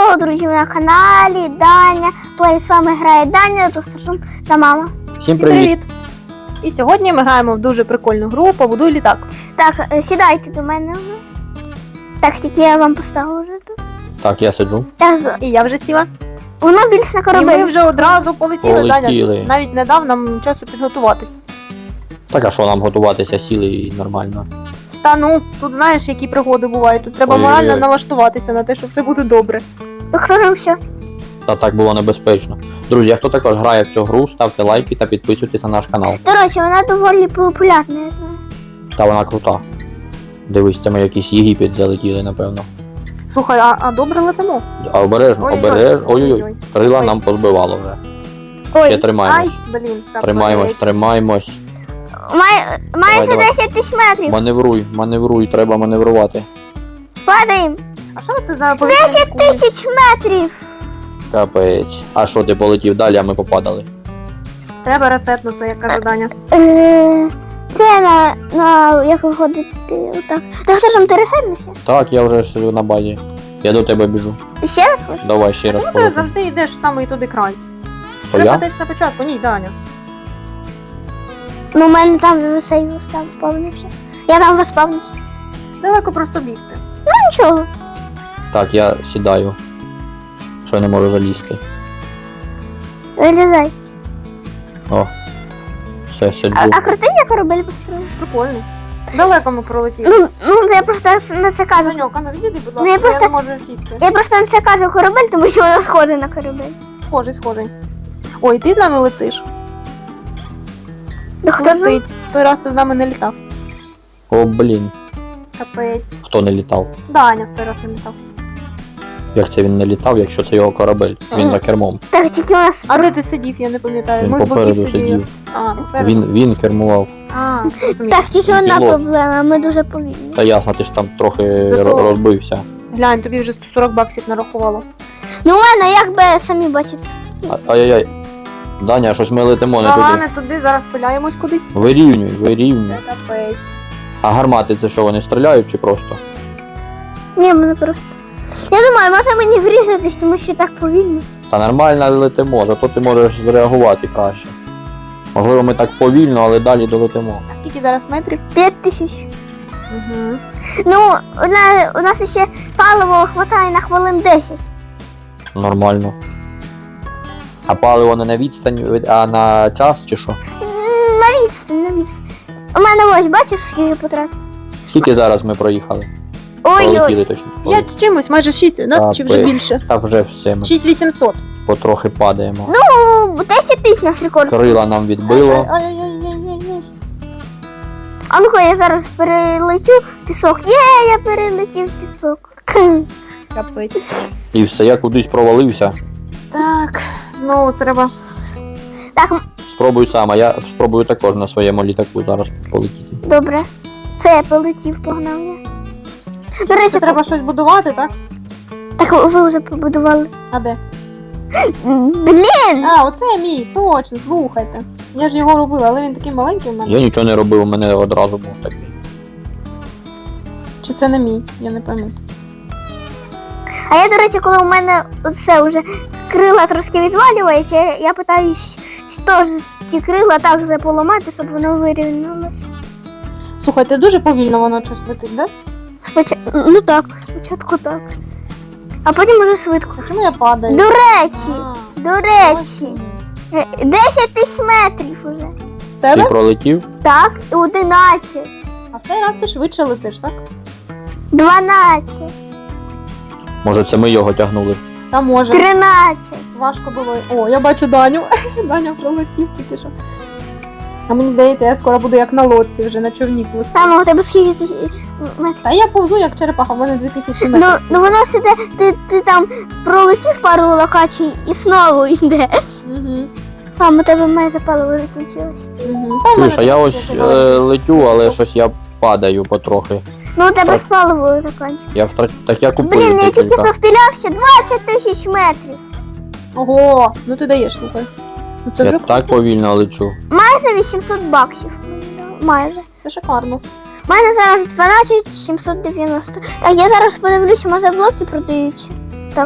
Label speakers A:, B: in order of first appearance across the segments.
A: Hello, друзі, на каналі Даня. Плей, з вами грає Даня, Тухсашум та мама.
B: Всім привіт!
C: І сьогодні ми граємо в дуже прикольну гру «Побудуй літак».
A: Так, сідайте до мене вже. Так, тільки я вам поставлю вже тут.
B: Так, я сиджу.
A: Так,
C: І я вже сіла.
A: воно більш на
C: І
A: корабель.
C: ми вже одразу полетіли.
B: Полетіли.
C: Даня навіть не дав нам часу підготуватись.
B: Так, а що нам готуватися, сіли і нормально.
C: Та ну, тут знаєш, які пригоди бувають. Тут треба
B: Ой-ой-ой.
C: морально налаштуватися на те, що все буде добре.
A: Так, хто ж все?
B: Та так було небезпечно. Друзі, а хто також грає в цю гру, ставте лайки та підписуйтесь на наш канал.
A: До речі, вона доволі популярна, я знаю.
B: Та вона крута. Дивись, це ми якийсь Єгипет залетіли, напевно.
C: Слухай, а добре летимо?
B: А обережно,
C: Ой-ой-ой.
B: обережно. Ой-ой-ой.
C: Ой-ой.
B: Крила
C: Ой.
B: нам позбивало вже. Ще
A: Ой,
B: тримаємось.
C: Ай, блін. Так,
B: Тримаємось,
C: молодець.
B: тримаємось.
A: майже
B: давай.
A: 10 тисяч метрів.
B: Маневруй, треба маневрувати.
A: Падаємо.
C: А що це за повітряні
A: 10
C: кулі?
A: тисяч метрів.
B: Капець. А що, ти полетів далі, а ми попадали?
C: Треба ресетнути, як каже Даня.
A: Це на як виходити отак. Так, Сашом, ти рефернувся?
B: Так, я вже сиджу на базі. Я до тебе біжу.
A: І ще раз хочеш?
B: Давай ще раз
C: Чому ти
B: полетим.
C: завжди йдеш в самий туди край?
B: То
C: Треба
B: я?
C: десь на початку. Ні, Даня.
A: Ну, у мене там висейв став повнився. Я там виспавнився.
C: Далеко просто бігти.
A: Нічого.
B: Так, я сідаю. Що я не можу залізти.
A: Вилізай.
B: О. Все, сиджу.
A: А крутий я корабель построїв?
C: Прикольно. Далеко ми пролетіли.
A: Ну, я просто на це кажу.
C: Саньок, а ну відійди, будь
A: Ну,
C: ласка,
A: я просто-
C: я не можу сісти.
A: Я просто на це кажу корабель, тому що воно схоже на корабель.
C: Схожий. Ой, ти з нами летиш?
A: Да хто ж?
C: Летить. В той раз ти з нами не літав.
B: О, блін.
C: Капець.
B: Хто не літав?
C: Даня в той раз не літав.
B: Як це він не літав, якщо це його корабель? Він за кермом.
A: Так, тільки у нас...
C: А де ти сидів, я не пам'ятаю.
B: Він
C: Ми з боків
B: попереду
C: сиділи.
B: сидів.
C: А, попереду.
B: Він кермував.
C: А, розумію.
A: Так, тільки одна
B: Пілот.
A: проблема, ми дуже повільні.
B: Та ясно, ти ж там трохи
C: Зато-
B: розбився.
C: Глянь, тобі вже 140 баксів нарахувало.
A: Ну, у мене, як би самі бачите, скільки.
B: Ай-яй-яй. Даня, щось ми летимо не
C: Ага,
B: туди.
C: не туди, зараз спиляємось кудись.
B: Вирівнюй.
C: Це капець.
B: А гармати це що, вони стріляють чи просто?
A: Ні, мене просто... Я думаю, може мені врізатись, тому що так повільно.
B: Та нормально летимо, зато ти можеш зреагувати краще. Можливо, ми так повільно, але далі долетимо.
C: А скільки зараз метрів?
A: 5000.
C: Угу.
A: Ну, у нас ще паливо хватає на хвилин 10.
B: Нормально. А паливо не на відстань, а на час чи що?
A: На відстань. У мене ось, бачиш, скільки потратив?
B: Скільки зараз ми проїхали?
A: Ой-ой.
B: Пролетіли точно.
C: 5 з чимось, майже 6, да? Чи вже
B: Капець.
C: більше?
B: Та вже все, ми
C: 6800.
B: потрохи падаємо.
A: Ну, 10 тисяч нас рекорд.
B: Крила нам відбило.
C: Ай-яй-яй-яй-яй.
A: А ну-ка, я зараз перелечу пісок. Я перелетів пісок.
C: Капець.
B: І все, я кудись провалився.
C: Так, знову треба.
A: Так,
B: Спробуй сам, а я спробую також на своєму літаку зараз полетіти.
A: добре. Це я полетів, погнав я. До речі,
C: Це треба щось будувати, так?
A: так ви вже побудували.
C: А де?
A: Блін!
C: А, оце мій, точно, слухайте. Я ж його робила, але він такий маленький в мене.
B: Я нічого не робив, у мене одразу був такий.
C: Чи це не мій? Я не пам'ятаю.
A: А я, до речі, коли у мене все вже крила трошки відвалюється, я питаюсь, що ж ті крила так заполомати, щоб воно вирівнялося.
C: Слухайте, дуже повільно воно щось летить, да?
A: Ну так, спочатку так. А потім уже швидко.
C: А чому я падаю?
A: До речі,
C: А,
A: до речі, 10 тисяч метрів уже.
C: в
B: Ти
C: тебе?
B: пролетів?
A: Так, і 11,
C: А в цей раз ти швидше летиш, так?
A: 12,
B: Може це ми його тягнули?
C: Та може.
A: 13.
C: Важко було. О, я бачу Даню. Даня пролетів тільки що. А мені здається, я скоро буду як на лодці вже на човні плити.
A: Там у тебе скільки метрів?
C: Та я повзу як черепаха, в мене 2000 метрів.
A: Ну воно сиде, ти там пролетів пару локацій і знову йде.
C: Угу.
A: Там у тебе майже паливо закінчилось.
C: Угу.
B: Чуєш, а я ось летю, але щось я падаю потрохи.
A: Ну у тебе
B: Так.
A: ж паливо закінчилось.
B: Так я купив
A: Блін, я тільки
B: декілька.
A: завпілявся 20 тисяч метрів.
C: Ого, ну ти даєш, слухай. Ну це
B: Я
C: вже
B: так повільно лечу.
A: Майже 800 баксів. Майже.
C: це шикарно.
A: У мене зараз 12 790. Так, я зараз подивлюся, може блоки продаються. Так.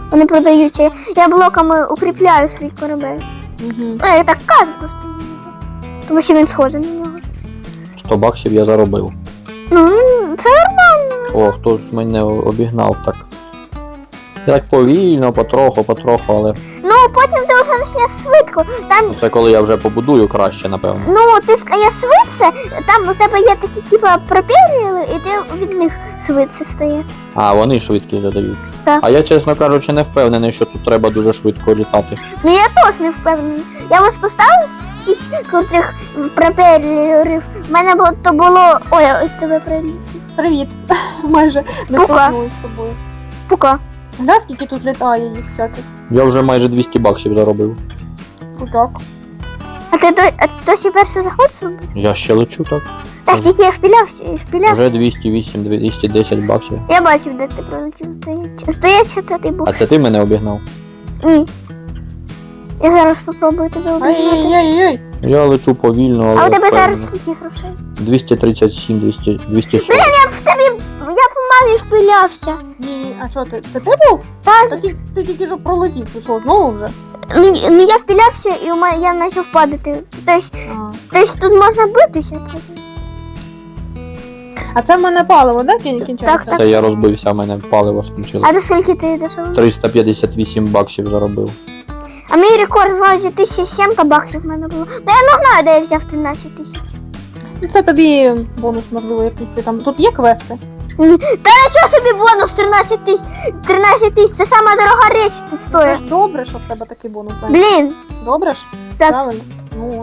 A: Вони продаються. Я блоками укріпляю свій корабель.
C: Угу.
A: Ну, я так кажу просто. Тому що він схожий на нього.
B: 100 баксів я заробив.
A: Ну, це нормально.
B: О, хтось мене обігнав так. Я так повільно, потроху, але
A: Ну, потім ти вже почнеш швидко. Там,
B: це коли я вже побудую краще, напевно.
A: ну, ти стаєш швидше, там у тебе є такі, типа, пропелери, і ти від них швидше стаєш.
B: А, вони швидкість додають.
A: Так.
B: А я, чесно кажучи, не впевнений, що тут треба дуже швидко літати.
A: Ну, я теж не впевнений. Я ось поставив 6 крутих пропелерів. У мене було... Ой, я тебе прилетів.
C: Привіт. Майже не
A: Пука.
C: столкнулись з тобою.
A: Пука.
C: Гля, скільки тут літає їх всяких.
B: Я вже майже 200 баксів заробив.
C: Крутяк.
A: А ти досі перший заход зробив?
B: Я ще лечу так.
A: Так, тільки я впілявся.
B: Вже 208, 210 баксів.
A: Я бачив, де ти пролетів. Здається, ти був.
B: А це ти мене обігнав?
A: Ні. Я зараз спробую тебе обігнати.
C: Ай-яй-яй-яй.
B: Я лечу повільно, але
A: А у тебе
B: впевнено.
A: зараз скільки грошей?
B: 237, 240.
A: Я в тобі, я по мамі впилявся.
C: Ні, а що ти? Це ти був?
A: Так,
C: Та ти тільки що пролетів, ти що, знову вже?
A: ну я впилявся і я почав падати. Тобто тут можна битися.
C: А це в мене паливо, да, кінчається?
A: Так.
B: Це я розбився, в мене паливо скінчилось.
A: А до скільки ти дійшов?
B: 358 баксів заробив.
A: А мій рекорд вроді 1700 баксів в мене було. Ну я не знаю, де я взяв 13 тисяч.
C: Ну, це тобі бонус, можливо, якийсь ти там. Тут є квести?
A: Та нічого собі бонус 13 тисяч. 13 тисяч, це сама дорога річ тут
C: Це
A: стоїть.
C: ж добре, що в тебе такий бонус. Дань.
A: Блін,
C: Добре ж?
A: так.
C: Правильно? Ну,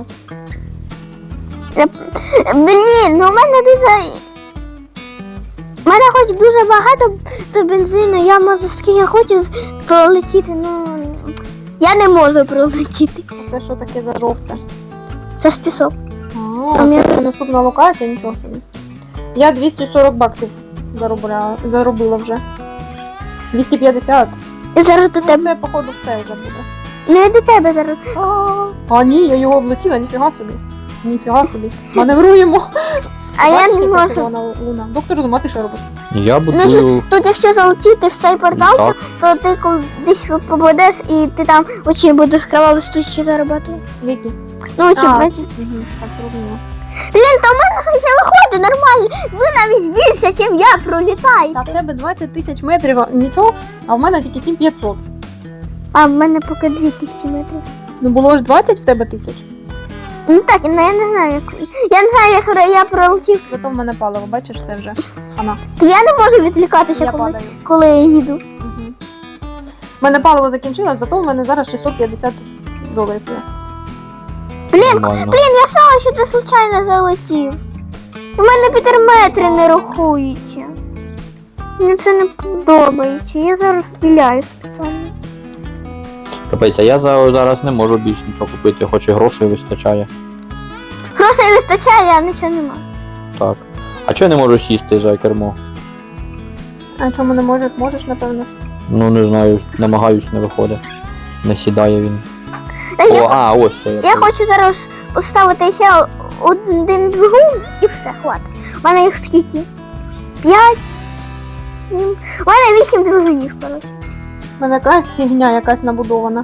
A: Блін, ну в мене дуже. У мене хоч дуже багато до бензину, я можу скільки хочу пролетіти, ну я не можу пролетіти.
C: а це що таке за жовте?
A: Це ж пісок.
C: А, це наступна локація, нічого собі. Я 240 баксів заробила вже. 250.
A: І зараз до
C: Ну,
A: тебе.
C: це, походу, все вже буде.
A: Ну я до тебе зараз.
C: А ні, я його облетіла, ніфіга собі. Ніфіга собі. Маневруємо.
A: А я
C: Бачиш,
A: не
C: яка
A: можу.
C: червона луна? Доктор Зум, а ти що робиш?
B: Я
A: Ну,
B: будую
A: тут якщо залетіти в цей портал,
B: так.
A: то ти кудись попадеш і ти там очі будеш кроваві стучки заробляти.
C: Які?
A: Ну, очі,
C: А,
A: бачиш.
C: Угу, так, зрозуміло.
A: Блін, та в мене щось не виходить нормально. Ви навіть більше, ніж я пролітаєте.
C: Та в тебе 20 тисяч метрів, нічого, а в мене тільки 7500.
A: А в мене поки 2000 метрів.
C: Ну було ж 20 в тебе тисяч,
A: Ну так, ну я не знаю, як. Я не знаю, як я пролетів.
C: зато в мене паливо, бачиш, все вже. Хана.
A: Та я не можу відлікатися,
C: Я
A: коли,
C: падаю.
A: коли я їду.
C: Угу. В мене паливо закінчилось, зато в мене зараз 650 доларів є.
A: Блін,
B: Нормально.
A: я знала, що ти случайно залетів. У мене пітерметри не рахуються. Мені це не подобається. Я зараз впіляю спеціально.
B: Капець, а я зараз не можу більш нічого купити, хоч і грошей вистачає.
A: Грошей вистачає, а нічого нема.
B: Так. А чого я не можу сісти за кермо?
C: А чому не можеш? Можеш, напевно ж.
B: Ну не знаю, намагаюсь, не виходить. Не сідає він.
A: Та
B: О, ось це.
A: я хочу зараз поставити ще один двигун і все, хватить. У мене їх скільки? 5, 7. У мене 8 двигунів, коротше.
C: В мене якась фігня якась набудована.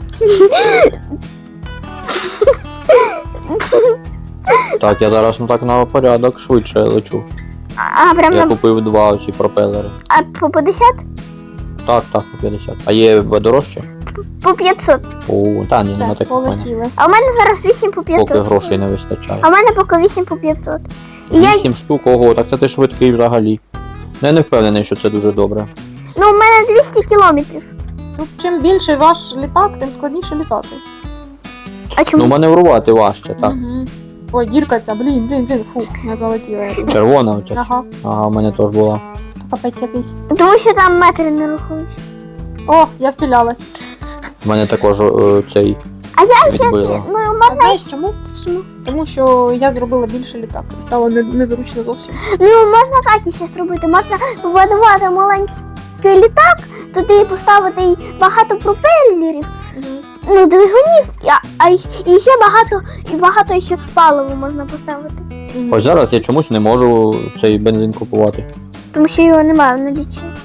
B: Так, я зараз так на порядок швидше лечу.
A: А прям
B: Я
A: на
B: купив 2 оці пропелери.
A: по 50?
B: Так, по 50. А є дорожче?
A: По 500.
B: О, та ні, нема
C: Все,
B: таких в мене.
C: полетіли.
A: А у мене зараз 8 по 500.
B: Поки грошей не вистачає.
A: А в мене поки 8 по 500. І я,
B: 8 штук, ого, так це ти швидкий взагалі. Ну, я не впевнений, що це дуже добре.
A: ну, у мене 200 кілометрів.
C: Тут чим більший ваш літак, тим складніше літати.
A: А чому?
B: Ну, маневрувати важче, так.
C: Угу. Ой, дірка ця, блін, фу, не залетіла я тут.
B: Червона оця.
C: Ага,
B: Ага, в мене теж була.
C: капець якийсь.
A: Тому що там метри не рахуються.
C: О, я впілялась.
B: В мене також цей
A: А я
B: відбила.
A: ну
C: А
A: можна
C: знаєш чому?
A: чому?
C: Тому що я зробила більше літак. І стало незручно зовсім.
A: Ну можна так іще зробити. Можна побудувати маленький літак, туди поставити й багато пропелерів, ну двигунів, і ще багато ще паливу можна поставити.
B: Ось зараз я чомусь не можу цей бензин купувати.
A: Тому що його немає в наліччі.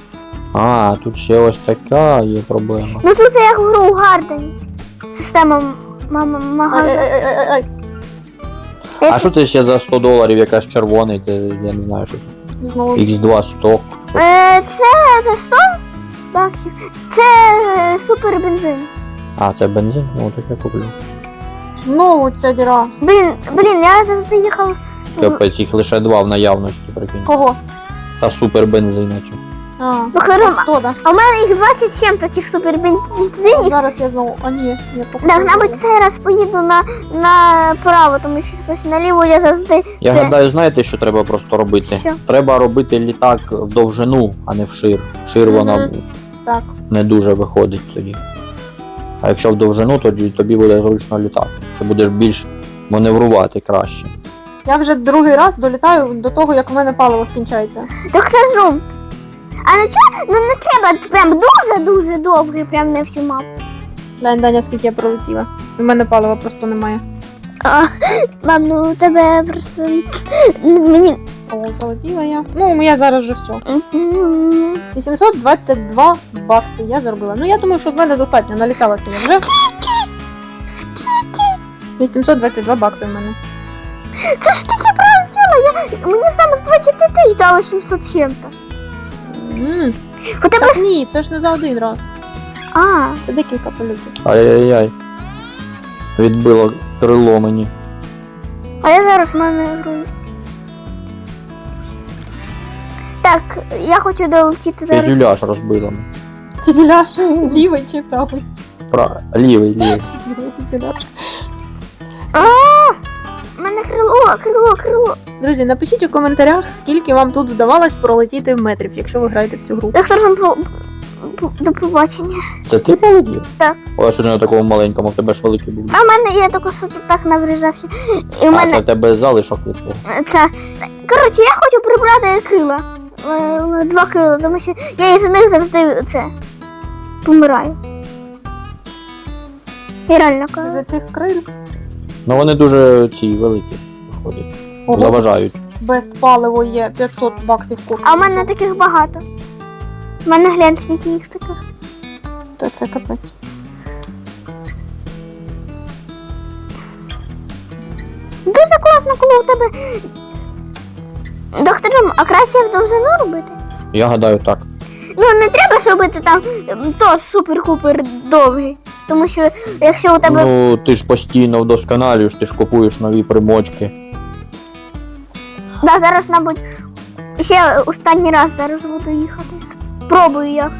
B: А, тут ще ось така є проблема.
A: Ну тут це як в гру Гардені. Система магазину.
C: Ай-ай-ай-ай-ай.
B: А що це ще за $100, якась червоний, я не знаю, що це.
C: Знову.
B: X2 сток. Що?
A: Це за 100 баксів. Це супер бензин.
B: А, це бензин? Ну, так я куплю.
C: Знову ця діра.
A: Блін, я завжди їхав.
B: Капець, їх лише 2 в наявності, прикинь.
C: Кого?
B: Та супер бензина.
C: А,
A: Ну, хорошо.
C: це 100, да?
A: А в мене їх 27 таких супер бензинів.
C: Зараз я знову. А ні, я
A: Так, мабуть, цей раз поїду на право, тому що щось наліво я завжди.
B: Я
A: це-
B: гадаю, знаєте, що треба просто робити?
A: Що?
B: Треба робити літак в довжину, а не в шир. В шир вона
C: Мгм. Так.
B: не дуже виходить тоді. А якщо в довжину, тоді тобі буде зручно літати. Ти будеш більш маневрувати краще.
C: Я вже другий раз долітаю до того, як в мене паливо скінчається.
A: Так це жум. А на чого? Ну не треба прям дуже-дуже довгий, прям не всю мапу.
C: Глянь, Даня, скільки я пролетіла. У мене палива просто немає.
A: Мам, ну у тебе просто мені.
C: О, залетіла я. Ну, я зараз вже все. 822 бакси я заробила. Ну, я думаю, що в мене достатньо. Наліталася я вже. 822 бакси в мене.
A: Це ж таке пролетіло, мені там з 20 тисяч дало 700 чим-то. Хоча б.
C: Так ні, це ж не за один раз.
A: А,
C: Це декілька польотів.
B: Ай-яй-яй. Відбило крило мені.
A: а я зараз маневрую. Так, я хочу долетіти зараз.
B: Фюзеляж розбило.
C: Фюзеляж лівий чи правий?
B: Лівий.
C: Лівий фюзеляж.
A: У мене крило.
C: Друзі, напишіть у коментарях, скільки вам тут вдавалось пролетіти в метрів, якщо ви граєте в цю гру.
A: Доктор, до побачення.
B: Це ти полетів?
A: Так.
B: О, що не на такому маленькому, в тебе ж великий був.
A: А в мене я тільки що тут так навріжався. І в
B: А,
A: мене
B: це в тебе залишок від того.
A: це. Коротше, я хочу прибрати крила. 2 крила, тому що я із них завжди це помираю. Я реально кажу.
C: За цих криль
B: Ну вони дуже ці великі виходять.
C: ого,
B: Заважають.
C: без паливо є 500 баксів коштує.
A: А в мене таких багато. У мене глянь, скільки їх таких.
C: Та це капець.
A: Дуже класно, коли у тебе. Доктор, а краще в довжину робити?
B: Я гадаю так.
A: Ну не треба ж робити там то супер-купер довгий. Тому що якщо у тебе.
B: Ну, ти ж постійно вдосконалюєш, ти ж купуєш нові примочки.
A: Да, зараз, мабуть, ще останній раз зараз буду їхати. Спробую як.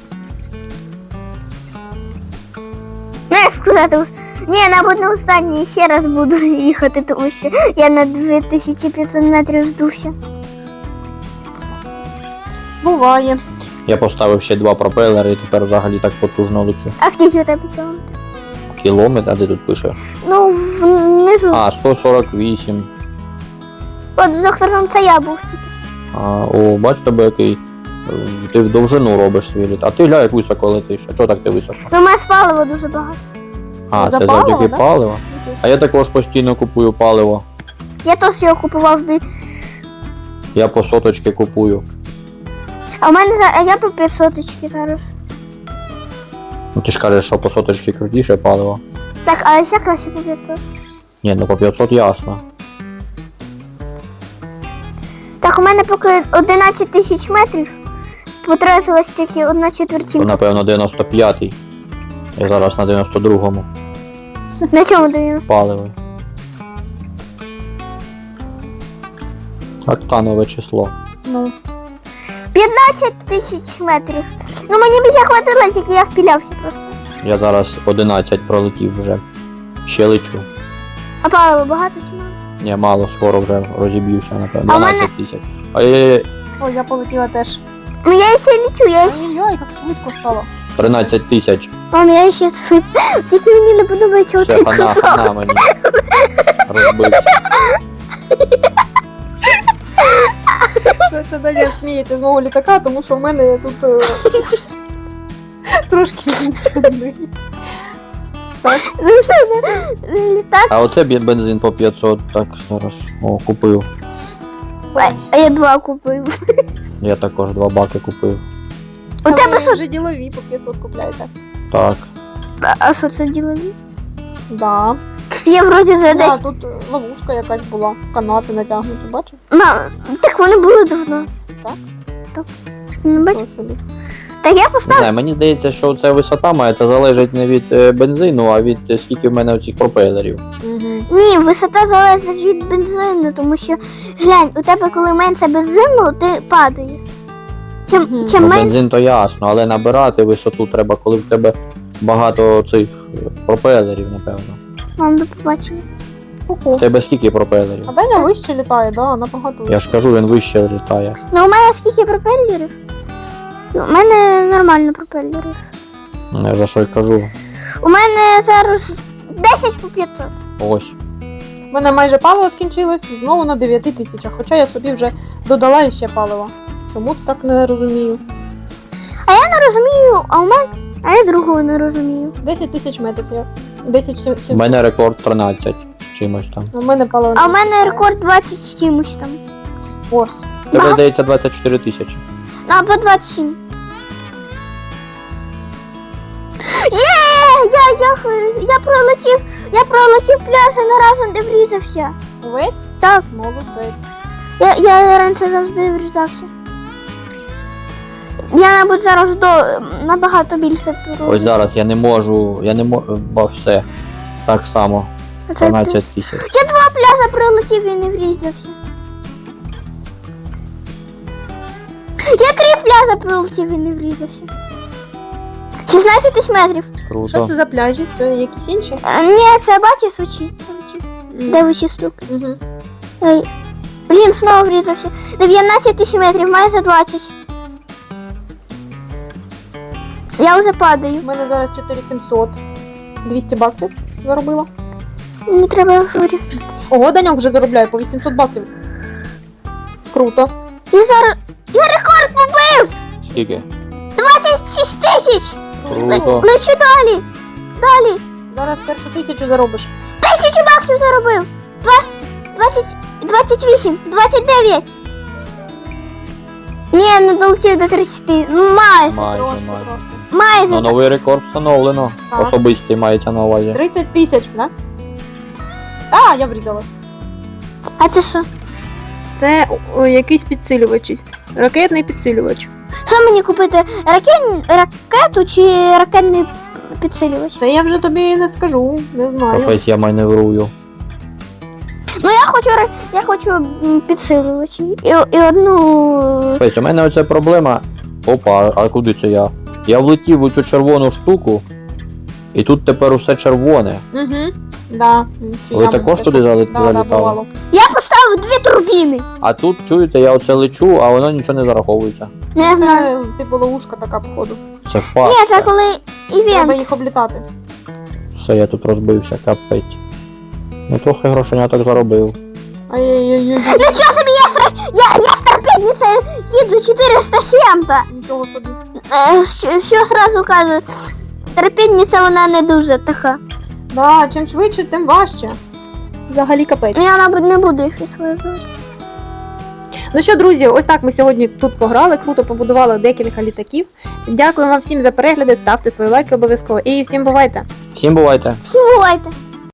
A: Не як сказати, ні, мабуть, не останній, ще раз буду їхати, тому що я на 2500 метрів здувся.
C: Буває.
B: Я поставив ще 2 пропелери і тепер взагалі так потужно лечу.
A: А скільки у тебе кілометрів?
B: Кілометр, а де тут пише?
A: Ну, внизу.
B: А, 148.
A: От доктором це я був тільки.
B: О, бач тебе який. Ти в довжину робиш свій літ. А ти глянь, як високо летиш. А чого так ти високо?
A: Ну, у мене палива дуже багато.
B: А,
C: За
B: це
C: паливо,
B: завдяки
C: да?
B: палива. А я також постійно купую паливо.
A: Я теж його купував би.
B: Я по соточки купую.
A: А в мене я по 500 зараз.
B: Ну ти ж кажеш, що по соточки крутіше паливо.
A: Так, а ще краще по 500.
B: Ні, ну по 500 ясно.
A: Так, у мене поки 11 тисяч метрів. Потратилось тільки 1/4.
B: То, напевно, 95-й. Я зараз на 92-му
A: На чому даю?
B: паливо. Октанове число.
C: Ну,
A: 15 тисяч метрів. Ну мені б ще хватило, тільки я впілявся просто.
B: Я зараз 11 пролетів вже. Ще лечу.
A: А паливо багато чи мало?
B: Ні, мало, скоро вже розіб'юся, напевно.
A: А в мене-
B: 12 тисяч. Ай-яй-яй,
C: о, я полетіла теж.
A: Ну я ще лічу, я ще.
C: Ой-ой, як швидко стало.
B: 13 тисяч.
A: Мам, я ще спить. Тільки мені не подобається
B: Все,
A: оцей
B: хана,
A: кусок.
B: хана мені. Розбився.
C: Це Даня сміється з мого літака, тому що в мене тут трошки інший.
A: Літак,
B: А оце бензин по 500, так, зараз. О, купив.
A: а я 2 купив.
B: Я також 2 баки купив.
A: У тебе
C: ви
A: що?
C: вже ділові по 500 купляєте.
B: Так.
A: А що це ділові?
C: Да.
A: Я вроді за
C: А,
A: десь.
C: тут ловушка якась була, канати натягнуті, бачиш?
A: Так вони були давно.
C: Так?
A: Так. Не бачиш?
C: Ось собі.
A: Так я
B: Не
A: поставив.
B: знаю, мені здається, що ця висота має це залежить не від бензину, а від скільки в мене цих пропелерів.
C: Мгм.
A: Ні, висота залежить від бензину, тому що глянь, у тебе коли менше бензину, ти падаєш. Чим,
C: Мгм.
A: чим
B: Ну,
A: менше.
B: бензин то ясно, але набирати висоту треба, коли в тебе багато цих пропелерів, напевно.
A: Вам до побачення.
C: Ого.
B: В тебе скільки пропелерів?
C: А Даня вище літає, да, набагато вище.
B: Я ж кажу, він вище літає.
A: Ну у мене скільки пропелерів? У мене нормально пропелерів.
B: Я за що й кажу.
A: У мене зараз 10 по 500.
B: Ось.
C: У мене майже паливо скінчилось, знову на 9 тисячах, хоча я собі вже додала іще палива. Чому то так не розумію?
A: Не розумію, а я другого не розумію.
C: 10 тисяч метрів я. 10
B: У
C: 700.
B: мене рекорд 13 з чимось там.
C: У мене паливо.
A: А у мене рекорд 20 з чимось там.
C: Ось.
B: У тебе, здається, 24 тисячі.
A: Ну, або 27. Я пролетів пляж і ні разу не врізався.
C: Увесь?
A: Так,
C: Молодець.
A: я раніше завжди врізався. Я, мабуть, зараз набагато більше
B: Ось зараз я не можу, бо все. Так само. 12 тисяч.
A: Я 2 пляжа пролетів і не врізався. Я 3 пляжа пролетів і не врізався. 16 тисяч метрів.
C: Що
B: Круто.
C: це за пляжі? Це якісь інші?
A: Ні, це бачиш Сочі. Де вичі штуки.
C: Угу.
A: Ой. Блін, знову врізався. 19 тисяч метрів, майже 20. Я вже падаю.
C: У мене зараз 4700. 200 баксів заробила.
A: Мені треба говорити.
C: Ого, Даньок вже заробляє по 800 баксів. Круто.
A: Я рекорд побив!
B: Скільки?
A: 26 тисяч!
B: Круто.
A: Лечу далі. Далі.
C: Зараз першу 1000 заробиш.
A: 1000 баксів заробив. 28, 29. Ні, не долетів до 30. Ну, майже.
B: Майже.
C: Трошки.
A: Майже.
B: Ну, новий рекорд встановлено.
C: Так.
B: Особистий мається на увазі.
C: 30 тисяч, да? А, я врізалась.
A: А це що?
C: Це якийсь підсилювач. Ракетний підсилювач.
A: Що мені купити? Ракету чи ракетний підсилювач?
C: Це я вже тобі не скажу, не знаю.
B: Капець я маневрую.
A: Ну я хочу підсилювач. І одну.
B: Капець, у мене оця проблема. Опа, а куди це я? Я влетів у цю червону штуку, і тут тепер усе червоне.
C: Угу. Да.
B: Ви також туди залітали?
C: Да, бувало.
A: Я поставив 2 турбіни.
B: А тут, чуєте, я оце лечу, а воно нічого не зараховується.
A: Не знаю.
C: Це типу ловушка така, походу.
B: Це
A: Ні, це
B: факт.
A: коли
C: Треба
A: івент.
C: їх облітати.
B: Все, я тут розбився, капець. Ну трохи грошеняток заробив.
C: Ай-яй-яй.
A: Нічого собі, я з торпедницею їду 407-та.
C: Нічого собі.
A: Що сразу кажу, торпедниця вона не дуже така.
C: Да, чим швидше, тим важче. Взагалі капець.
A: Ну, я, мабуть, не буду їх використовувати.
C: Ну що, друзі, ось так ми сьогодні тут пограли, круто побудували декілька літаків. Дякую вам всім за перегляди, ставте свої лайки обов'язково і всім бувайте!
B: Всім бувайте!
A: Всім бувайте!